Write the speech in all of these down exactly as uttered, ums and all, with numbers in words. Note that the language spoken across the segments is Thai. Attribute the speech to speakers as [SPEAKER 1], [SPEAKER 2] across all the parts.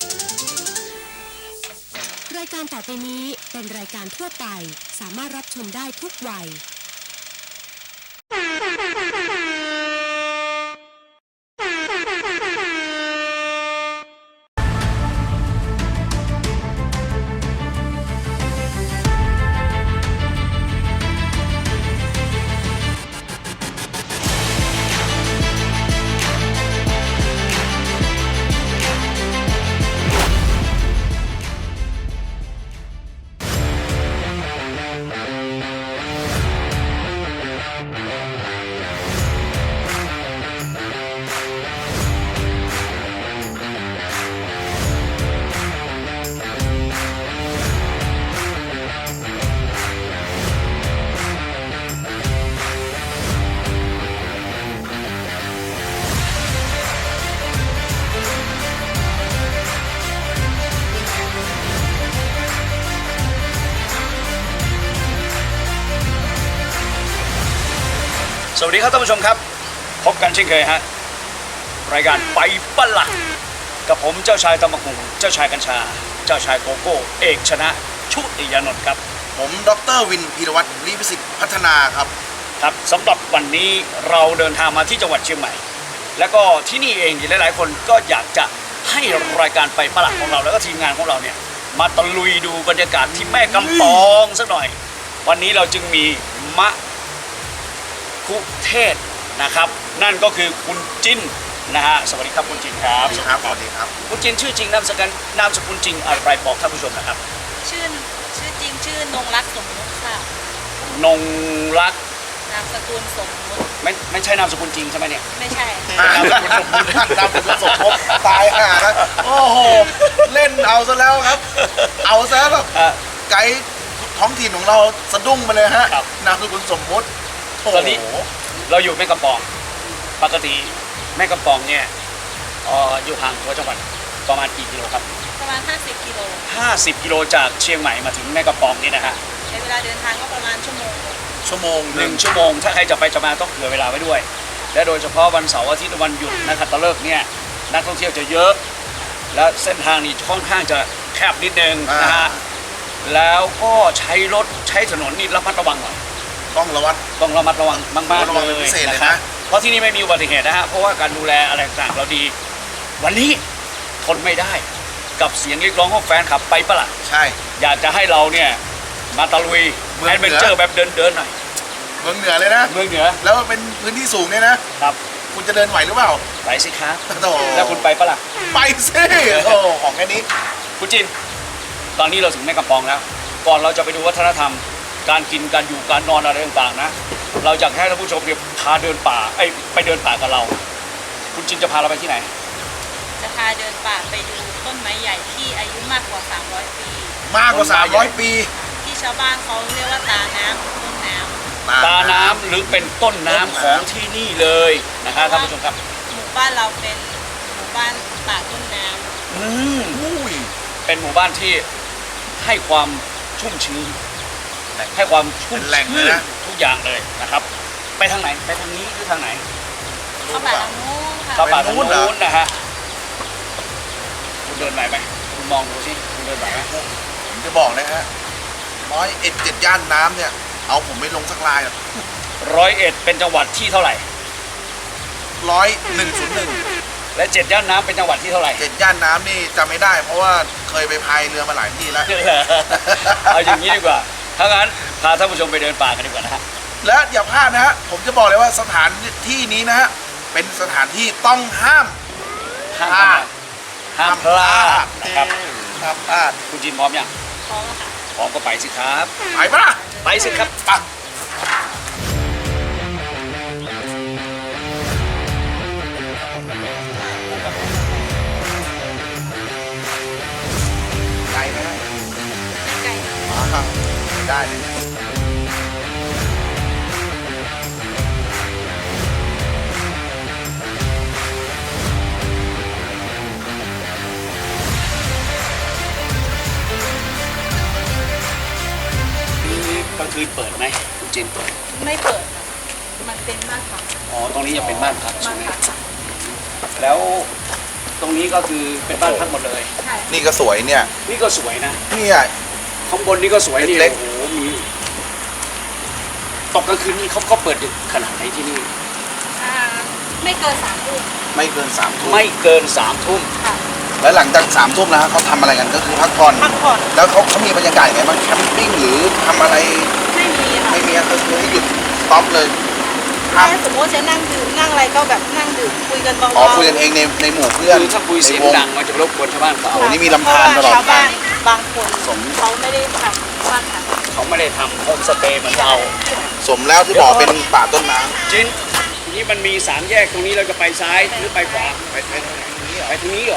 [SPEAKER 1] รายการต่อไปนี้เป็นรายการทั่วไปสามารถรับชมได้ทุกวัย
[SPEAKER 2] สวัสดีครับท่านผู้ชมครับพบกันเช่นเคยฮะรายการไปปะละกับผมเจ้าชายตะมะกุงเจ้าชายกัญชาเจ้าชายโกโก้เอกชนะชุติยานนท์ครับ
[SPEAKER 3] ผมดร.วินพีรวัตรลิพิสิทธิ์พัฒนาครับ
[SPEAKER 2] ครับสำหรับวันนี้เราเดินทางมาที่จังหวัดเชียงใหม่แล้วก็ที่นี่เองหลายๆคนก็อยากจะให้รายการไปปะละของเราแล้วก็ทีมงานของเราเนี่ยมาตะลุยดูบรรยากาศที่แม่กำปองสักหน่อยวันนี้เราจึงมีมะคุเทศนะครับนั่นก็คือคุณจินนะฮะสวัสดีครับคุณจินครับ
[SPEAKER 3] สวัสดีครับสวัสดีครับ
[SPEAKER 2] คุณจินชื่อจริงนามสกุลนามสกุลจริงอะไรบอกท่านผู้ชมนะครับ
[SPEAKER 4] ชื่อชื่อจริงชื่อนงรักสมมุติค่ะ
[SPEAKER 2] นงรัก
[SPEAKER 4] นามสกุลสมมุติ
[SPEAKER 2] ไม่ไม่ใช่นามสกุลจริงใช่ไหมเนี่ย
[SPEAKER 4] ไม่ใช่
[SPEAKER 3] นามสกุลสมมุตินามสกุลสมมุติตายห่าครับโอ้โหเล่นเอาซะแล้วครับเอาซะแบบไกด์ท้องถิ่นของเราสะดุ้งไปเลยฮะนามสกุลสมมุติ
[SPEAKER 2] ตอนนี้เราอยู่แม่กำปองปกติแม่กำปองเนี่ยอยู่ห่างตัวจังหวัดประมาณกี่กิโลครับ
[SPEAKER 4] ประมาณห้าสิบกิโล
[SPEAKER 2] ห้าสิบกิโลจากเชียงใหม่มาถึงแม่กำปองนี่นะฮะ
[SPEAKER 4] ใช้เวลาเดินทางก็ประมาณชั่วโมง
[SPEAKER 3] ชั่วโมง
[SPEAKER 2] หนึ่งชั่วโมงถ้าใครจะไปจะมาต้องเผื่อเวลาไว้ด้วยและโดยเฉพาะวันเสาร์อาทิตย์วันหยุดนะครับตะเลิกเนี่ยนักท่องเที่ยวจะเยอะและเส้นทางนี้ค่อนข้างจะแคบนิดนึงนะฮะแล้วก็ใช้รถใช้ถนนนี่ระมัดระวังหน่อย
[SPEAKER 3] ต้องระวัด
[SPEAKER 2] ต้องระมัดระวังมากๆเลยนะครับเพราะที่นี่ไม่มีอุบัติเหตุนะฮะเพราะว่าการดูแลอะไรต่างเราดีวันนี้ทนไม่ได้กับเสียงเรียกร้องของแฟนคลับไปปะล่ะ
[SPEAKER 3] ใช่
[SPEAKER 2] อยากจะให้เราเนี่ยมาตะลุยแอดเวนเจอร์แบบเดินเดินหน่อย
[SPEAKER 3] เมืองเหนือเลยนะ
[SPEAKER 2] เมืองเหนือ
[SPEAKER 3] แล้วเป็นพื้นที่สูงเนี่ยนะครับคุณจะเดินไหวหรือเปล่า
[SPEAKER 2] ไปสิครับแล้วคุณไปปะล่ะ
[SPEAKER 3] ไปสิโอ้ของแค่นี้
[SPEAKER 2] คุณจินตอนนี้เราถึงแม่กำปองแล้วก่อนเราจะไปดูวัฒนธรรมการกินการอยู่การนอนอะไรต่างๆนะเราอยากให้ท่านผู้ชมเนี่ยพาเดินป่าไอ้ไปเดินป่ากับเราคุณจินจะพาเราไปที่ไหน
[SPEAKER 4] จะพาเดินป่าไปดูต้นไม้ใหญ่ที่อายุมากกว่าสามร้อยปี
[SPEAKER 3] มากกว่าสามร้อยปี
[SPEAKER 4] ที่ชาวบ้านเขาเรียกว่าตาน้ำต้นน้
[SPEAKER 2] ำตาน้ำหรือเป็นต้นน้ำของที่นี่เลยนะครับท่านผู้ชมครับ
[SPEAKER 4] หมู่บ้านเราเป็นหมู่บ้านป่าต้นน้ำ
[SPEAKER 2] อืมเป็นหมู่บ้านที่ให้ความชุ่มชื้นให้ความชุ่มชื้นทุกอย่างเลยนะครับไปทางไหนไปทางนี้หรือทางไหน
[SPEAKER 4] เข้าป่าทางนู้นค่ะ
[SPEAKER 2] เข้าป่าทางนู้นนะฮะคุณเดินไหวไหมคุณมองดูสิคุณเดินไหวไหม
[SPEAKER 3] ผมจะบอกนะฮะร้อยเอ็ดเจ็ดย่านน้ำเนี่ยเอาผมไม่ลงสักลายหรอก
[SPEAKER 2] ร้อยเอ็ดเป็นจังหวัดที่เท่าไหร่
[SPEAKER 3] ร้อยหนึ่งศูนย์หนึ่ง
[SPEAKER 2] และเจ็ดย่านน้ำเป็นจังหวัดที่เท่าไหร่
[SPEAKER 3] เจ็ดย่านน้ำนี่จำไม่ได้เพราะว่าเคยไปพายเรือมาหลายที่แล้ว
[SPEAKER 2] เอาอย่างนี้ดีกว่าถ้างั้นพาท่านผู้ชมไปเดินป่ากันดีกว่านะฮะ
[SPEAKER 3] และอย่าพลาดนะฮะผมจะบอกเลยว่าสถานที่นี้นะฮะเป็นสถานที่ต้องห้าม
[SPEAKER 2] พลาดห้ามพลาดนะครับ
[SPEAKER 3] ห้ามพลาด
[SPEAKER 2] คุณจินพร้อมยัง
[SPEAKER 4] พร้อมแล้วค่ะ
[SPEAKER 2] พร้อมก็ไปสิครับ
[SPEAKER 3] ไปปะ
[SPEAKER 2] ไปสิครับไป
[SPEAKER 3] ไกลไหม
[SPEAKER 4] ไม่ไกล
[SPEAKER 3] ได้เลย
[SPEAKER 2] กลางคืนเปิดไหมคุณจิน
[SPEAKER 4] ไม่เปิดมันเป็นบ้านพัก
[SPEAKER 2] อ๋อตรงนี้ยังเป็นบ้านพักใช่ไหมแล้วตรงนี้ก็คือเป็นบ้านพักหมดเลย
[SPEAKER 4] ใช่
[SPEAKER 3] นี่ก็สวยเนี่ย
[SPEAKER 2] นี่ก็สวยนะ
[SPEAKER 3] เนี่ย
[SPEAKER 2] ข้างบนนี่ก็สวยนี่
[SPEAKER 3] เล็ก
[SPEAKER 2] โอ้โหมีตกกลางคืนนี่เขาเขาเปิดดึกขนาดไหนที่นี่
[SPEAKER 4] อ่าไม่เกินสามทุ่ม
[SPEAKER 3] ไม่เกินสามทุ่ม
[SPEAKER 2] ไม่เกินสามทุ่ม
[SPEAKER 4] ค่ะ
[SPEAKER 3] แล้วหลังจากสามทุ่มนะฮะเขาทำอะไรกันก็คือพักผ่อน
[SPEAKER 4] พักผ่อน
[SPEAKER 3] แล้วเขาเขามีบรรยากาศยังไงบ้างแคมปิ้งหรือทำอะไร
[SPEAKER 4] ไม่มีค่ะ
[SPEAKER 3] ไม่มีอะก็คือให้หยุดสต็อปเลยห้าม
[SPEAKER 4] แค่สมมติจะนั่งดื่มนั่งอะไรก็แบบนั่งดื่มคุยกันเบาๆ
[SPEAKER 3] อ๋อคุยกันเองในในหมู่เพื่อน
[SPEAKER 2] คือถ้าคุยเสียง
[SPEAKER 3] ในว
[SPEAKER 2] ดังมันจะรบกวนชาวบ้านเขา
[SPEAKER 3] โอ้นี่มีลำธารตลอด
[SPEAKER 4] เพระว่ชาวบ้านบางคน
[SPEAKER 3] สม
[SPEAKER 4] เขาไม่ได้ทำบ้านค่ะ
[SPEAKER 2] เขาไม่ได้ทำโฮมสเตย์เหมือนเรา
[SPEAKER 3] สมแล้วที่บอกเป็นป่าต้นน้
[SPEAKER 2] จินทีนี้มันมีสามแยกตรงนี้เราจะไปซ้ายหรือไปขวา
[SPEAKER 3] ำไปไปทางไหนนี่เหรอ
[SPEAKER 2] ไปทางนี้เหรอ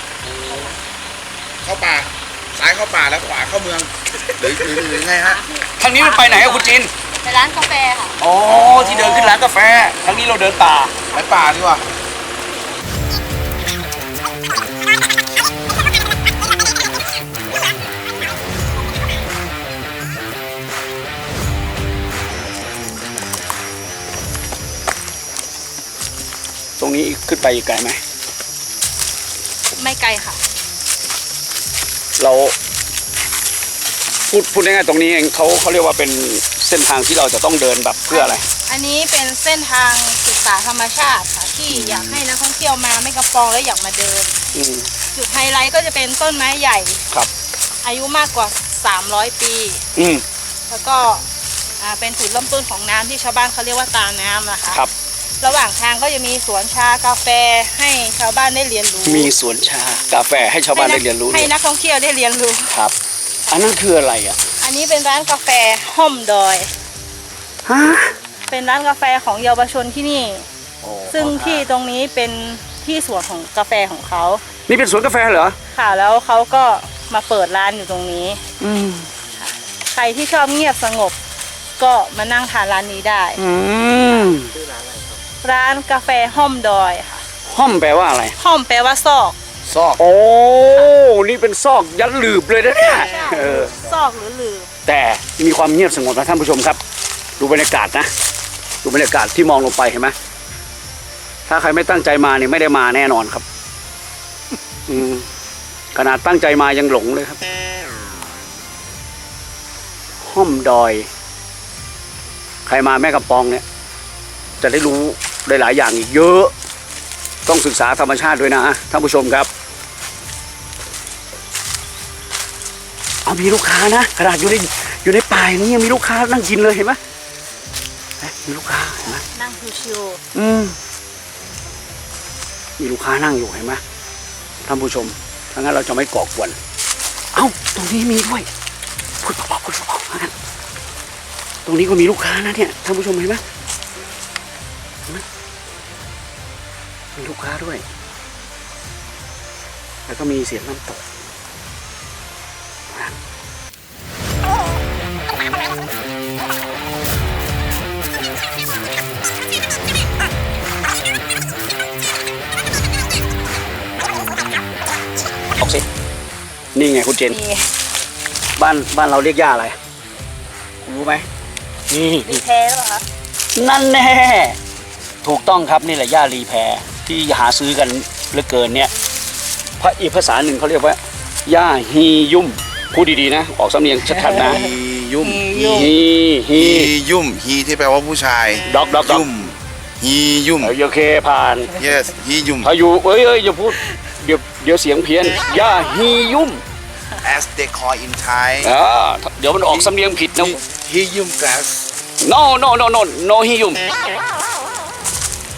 [SPEAKER 3] เข้าป่าซ้ายเข้าป่าแล้วขวาเข้าเมืองหรือหรือหรือไงฮะ
[SPEAKER 2] ทางนี้มันไปไหนอะคุณจิน
[SPEAKER 4] ไปร้านกาแฟค่ะ
[SPEAKER 2] อ๋อที่เดินขึ้นร้านกาแฟทางนี้เราเดินป่า
[SPEAKER 3] ไปป่าดีกว่า
[SPEAKER 2] ตรงนี้ขึ้นไปอีกไกลไหม
[SPEAKER 4] ไม่ไกลค่ะ
[SPEAKER 2] เราพูดพูดง่ายๆตรงนี้เองเขาเขาเรียกว่าเป็นเส้นทางที่เราจะต้องเดินแบบเพื่ออะไร
[SPEAKER 4] อันนี้เป็นเส้นทางศึกษาธรรมชาติค่ะที่อยากให้นักท่องเที่ยวมาไม่กระปองแล้วอยากมาเดิน
[SPEAKER 2] อืม
[SPEAKER 4] จุดไฮไลท์ก็จะเป็นต้นไม้ใหญ่
[SPEAKER 2] ครับ
[SPEAKER 4] อายุมากกว่าสามร้อยปี
[SPEAKER 2] อืม
[SPEAKER 4] แล้วก็อ่าเป็นจุดเริ่มต้นของน้ำที่ชาวบ้านเขาเรียกว่าตาน้ำนะคะ
[SPEAKER 2] ครับ
[SPEAKER 4] ระหว่างทางก็จะมีสวนชากาแฟให้ชาวบ้านได้เรียนรู้
[SPEAKER 2] มีสวนชากาแฟให้ชาวบ้านได้เรียนรู้
[SPEAKER 4] ให้
[SPEAKER 2] ด้วย
[SPEAKER 4] นักท่องเที่ยวได้เรียนรู้
[SPEAKER 2] ครับ อันนั้นคืออะไรอ่ะ
[SPEAKER 4] อันนี้เป็นร้านกาแฟห้อมดอย
[SPEAKER 2] ฮะ
[SPEAKER 4] เป็นร้านกาแฟของเยาวชนที่นี่
[SPEAKER 2] โอ้
[SPEAKER 4] ซึ่งที่ตรงนี้เป็นที่สวนของกาแฟของเขา
[SPEAKER 2] นี่เป็นสวนกาแฟเหรอ
[SPEAKER 4] ค่ะแล้วเขาก็มาเปิดร้านอยู่ตรงนี้
[SPEAKER 2] อืม
[SPEAKER 4] ใครที่ชอบเงียบสงบก็มานั่งทานร้านนี้ได้
[SPEAKER 2] อืม
[SPEAKER 4] ร้านกาแฟห้อมดอยค่ะ
[SPEAKER 2] ห้อมแปลว่าอะไร
[SPEAKER 4] ห้อมแปลว่าซอก
[SPEAKER 3] ซอก
[SPEAKER 2] โอ้ นี่เป็นซอกยันหลืบเลยนะเนี่ยเออ
[SPEAKER 4] ซอกหรือหลือ
[SPEAKER 2] แต่มีความเงียบสงบนะท่านผู้ชมครับ ดูบรรยากาศนะ ดูบรรยากาศที่มองลงไปเห็นไหมถ้าใครไม่ตั้งใจมาเนี่ยไม่ได้มาแน่นอนครับ อืมขนาดตั้งใจมายังหลงเลยครับ ห้อมดอย ใครมาแม่กำปองเนี่ย จะได้รู้ได้หลายอย่างอีกเยอะ ต้องศึกษาธรรมชาติด้วยนะท่านผู้ชมครับเอามีลูกค้านะขนาดอยู่ในอยู่ในป่าอย่างนี้ยังมีลูกค้านั่งกินเลยเห็นไหมเอ๊ะมีลูกค้าเห็นไหม
[SPEAKER 4] นั่งชิว
[SPEAKER 2] อืมมีลูกค้านั่งอยู่เห็นไหมท่านผู้ชมถ้างั้นเราจะไม่ก่อกวนเอ้าตรงนี้มีด้วยพูดเบาๆพูดเบาๆงั้นตรงนี้ก็มีลูกค้านะเนี่ยท่านผู้ชมเห็นไหมเห็นไหมมีลูกค้าด้วย แล้วก็มีเสียงน้ำตกออกสินี่ไงคุณเจน
[SPEAKER 4] ๆมี
[SPEAKER 2] บ้านบ้านเราเรียกย่าอะไรรู้ไหมนี่
[SPEAKER 4] รีแพ้หรือเปล่าคะ
[SPEAKER 2] นั่นแน่ถูกต้องครับนี่แหละย่ารีแพรที่หาซื้อกันเหลือเกินเนี่ยพระอีกภาษาหนึ่งเขาเรียกว่าย่าฮียุ่มพูดดีๆนะ ออกสำเนียงชัดๆนะ
[SPEAKER 3] ฮียุ่ม
[SPEAKER 2] ฮีฮี
[SPEAKER 3] ฮียุ่มฮีที่แปลว่าผู้ชาย
[SPEAKER 2] ด็อกด็อกด็อก
[SPEAKER 3] ยุ่มฮียุ่ม
[SPEAKER 2] เออโอเคผ่าน
[SPEAKER 3] yes ฮียุ่ม
[SPEAKER 2] พายุเอ้ยเอ้ยอย่าพูดเดี๋ยวเดี๋ยวเสียงเพี้ยนย่าฮียุ่ม
[SPEAKER 3] as they call in Thai
[SPEAKER 2] อ่าเดี๋ยวมันออกสำเนียงผิดนะ
[SPEAKER 3] ฮียุ่ม glass
[SPEAKER 2] no no no no no ฮียุ่ม
[SPEAKER 3] ฮี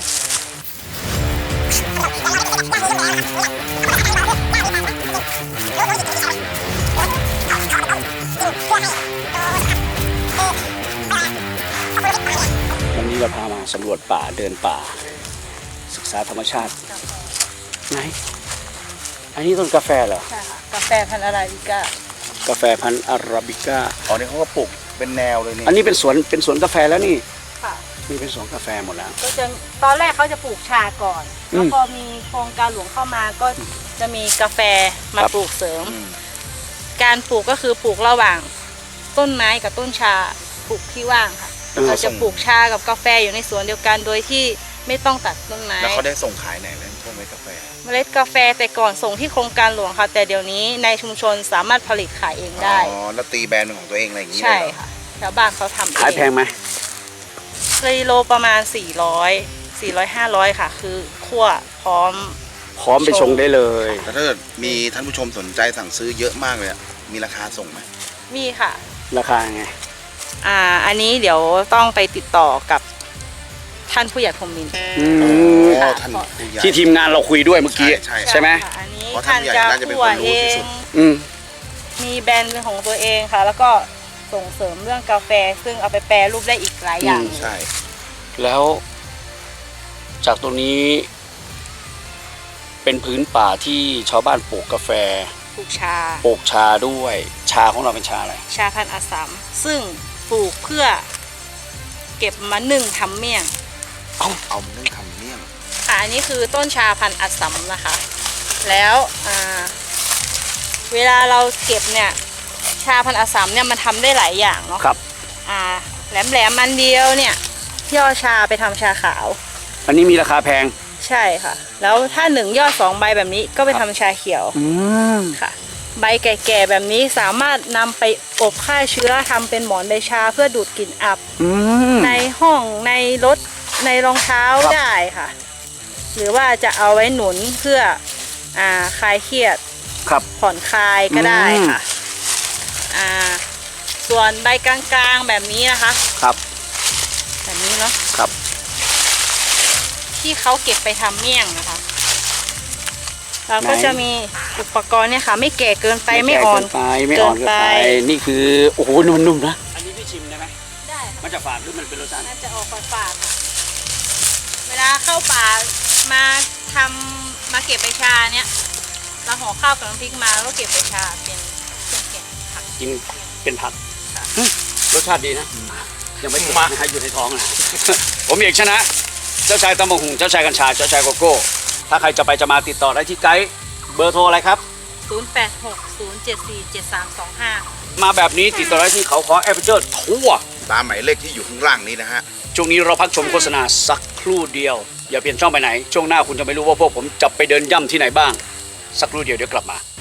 [SPEAKER 2] วันนี้เราพามาสำรวจป่าเดินป่า ศึกษาธรรมชาติไหนอันนี้ต้นกาแฟเหรอ
[SPEAKER 4] ใช่ค่ะกาแฟพันธุ์อาราบิก้าก
[SPEAKER 2] าแฟพันธุ์อาราบิก้า
[SPEAKER 3] อ๋อนี่เขาก็ปลูกเป็นแนวเลยนี่
[SPEAKER 2] อันนี้เป็นสวนเป็นสวนกาแฟแล้วนี่
[SPEAKER 4] ค่ะ
[SPEAKER 2] นี่เป็นสวนกาแฟหมดแล้ว
[SPEAKER 4] ก็จะตอนแรกเขาจะปลูกชาก่อน
[SPEAKER 2] อืม
[SPEAKER 4] แล้วพอมีโครงการหลวงเข้ามาก็จะมีกาแฟมา
[SPEAKER 2] ครับ
[SPEAKER 4] ปลูกเสริม
[SPEAKER 3] อืม
[SPEAKER 4] การปลูกก็คือปลูกระหว่างต้นไม้กับต้นชาปลูกที่ว่างค่ะ
[SPEAKER 2] เออ
[SPEAKER 4] เราจะปลูกชากับกาแฟอยู่ในสวนเดียวกันโดยที่ไม่ต้องตัดต้นไม้
[SPEAKER 3] แล้วเขาได้ส่งขายไหนเลยพวกเม็ดกาแฟ
[SPEAKER 4] เมล็ดกาแฟแต่ก่อนส่งที่โครงการหลวงค่ะ แต่เดี๋ยวนี้ในชุมชนสามารถผลิตขายเองได้
[SPEAKER 3] อ๋อแล้วตีแบรนด์เป็นของตัวเองอะไรอย่างนี้
[SPEAKER 4] ใช่
[SPEAKER 3] เลยเหรอ
[SPEAKER 4] ค่ะชาวบ้านเขาทำเอง
[SPEAKER 2] ขายแพงไหม
[SPEAKER 4] กิโลประมาณ สี่ร้อย สี่ร้อย ห้าร้อย ค่ะ คือคั่วพร้อม
[SPEAKER 2] พร้อมไปชงได้เลย
[SPEAKER 3] แล้วถ้าเกิดมีท่านผู้ชมสนใจสั่งซื้อเยอะมากเลยอะมีราคาส่งไหม
[SPEAKER 4] มีค่ะ
[SPEAKER 2] ราคาไง
[SPEAKER 4] อ่าอันนี้เดี๋ยวต้องไปติดต่อกับท่านผู้ใหญ่พรหมมินทร์
[SPEAKER 2] อืม
[SPEAKER 3] อ๋อท่านผู้ใหญ่
[SPEAKER 2] ที่ทีมงานเราคุยด้วยเมื่อกี้
[SPEAKER 3] ใช่ใช่
[SPEAKER 2] ใช่ไหม
[SPEAKER 4] ค่ะอันนี้
[SPEAKER 3] เพราะท่า
[SPEAKER 4] ท่าน น
[SPEAKER 3] ผู้ใหญ่
[SPEAKER 4] จะ
[SPEAKER 3] น่าจะเป็น
[SPEAKER 4] คั่ว
[SPEAKER 3] คนรู้
[SPEAKER 4] เอ
[SPEAKER 3] ที่
[SPEAKER 4] ง
[SPEAKER 3] สุด
[SPEAKER 2] อืม
[SPEAKER 4] มีแบรนด์เป็นของตัวเองค่ะ แล้วก็ส่งเสริมเรื่องกาแฟ ซึ่งเอาไปแปรรูปได้อีกหลายอย่าง
[SPEAKER 2] อืม
[SPEAKER 3] ใช่
[SPEAKER 2] แล้วจากตรงนี้ เป็นพื้นป่าที่ชาวบ้านปลูกกาแฟ
[SPEAKER 4] ปลูกชา
[SPEAKER 2] ปลูกชาด้วย ชาของเราเป็นชาอะไร
[SPEAKER 4] ชาพันธุ์อัสสัม ซึ่งปลูกเพื่อเก็บมานึ่งทำเมี่ยง
[SPEAKER 3] เอาเอามานึ่งทำเมี่ยง
[SPEAKER 4] ค่ะอันนี้คือต้นชาพันธุ์อัสสัมนะคะ แล้วอ่าเวลาเราเก็บเนี่ย ชาพันธุ์อัสสัมเนี่ยมันทำได้หลายอย่างเนาะ
[SPEAKER 2] ครับ
[SPEAKER 4] อ่าแหลมแหลมๆมันเดียวเนี่ยย่อชาไปทำชาขาว
[SPEAKER 2] อันนี้มีราคาแพง
[SPEAKER 4] ใช่ค่ะ แล้วถ้าหนึ่งยอดสองใบแบบนี้ก็ไปทำชาเขียว
[SPEAKER 2] อืม
[SPEAKER 4] ค่ะ ใบแก่ๆแบบนี้สามารถนำไปอบฆ่าเชื้อทำเป็นหมอนใบชาเพื่อดูดกลิ่นอับ
[SPEAKER 2] อืม
[SPEAKER 4] ในห้องในรถในรองเท้า
[SPEAKER 2] ครับ
[SPEAKER 4] ได้ค่ะ หรือว่าจะเอาไว้หนุนเพื่ออ่าคลายเครียด
[SPEAKER 2] ครับ
[SPEAKER 4] ผ่อนคลายก็ได้ค่ะอ่าส่วนใบกลางๆแบบนี้นะคะ
[SPEAKER 2] ครับ
[SPEAKER 4] แบบนี้เนาะ
[SPEAKER 2] ครับ
[SPEAKER 4] ที่เขาเก็บไปทำเมี่ยงนะคะเราก็จะมีอุปกรณ์เนี่ยค่ะ ไม่แก่เกินไปไม่อ่อน
[SPEAKER 2] เกินไปไม่อ่อนเกินไป นี่คือ โอ้โหนุ่มๆนะ อันนี้พี่ชิมได้ไหม
[SPEAKER 4] ได้ค่ะ
[SPEAKER 2] มันจะฝาดหรือมันเป็นรสชาติ
[SPEAKER 4] น่าจะออกฝาดๆค่ะเวลาเข้าป่ามาทำมาเก็บใบชาเนี่ยเราห่อข้าวกับน้ำพริกมาแล้วก็เก็บใบชาเป็นเป็นแกะผัก
[SPEAKER 2] กินเป็นผักหึรสชาติดีนะ ยังไม่ถึงนะฮะอยู่ในท้องนะ ผมเอกชนะ เจ้าชายตำบักหุ่งเจ้าชายกัญชา เจ้าชายโกโก้ ถ้าใครจะไปจะมาติดต่อได้ที่ไกด์ เบอร์โทรอะไรครับ
[SPEAKER 4] ศูนย์ แปด หก ศูนย์ เจ็ด สี่ เจ็ด สาม สอง ห้า
[SPEAKER 2] มาแบบนี้ติดต่อได้ที่เขาขอแอปเปิลเจอร์ทั่ว
[SPEAKER 3] ตามหมายเลขที่อยู่ข้างล่างนี้นะฮะ
[SPEAKER 2] ช่วงนี้เราพักชมโฆษณาสักครู่เดียว อย่าเปลี่ยนช่องไปไหน ช่วงหน้าคุณจะไม่รู้ว่าพวกผมจะไปเดินย่ำที่ไหนบ้าง สักครู่เดียวเดี๋ยวกลับมา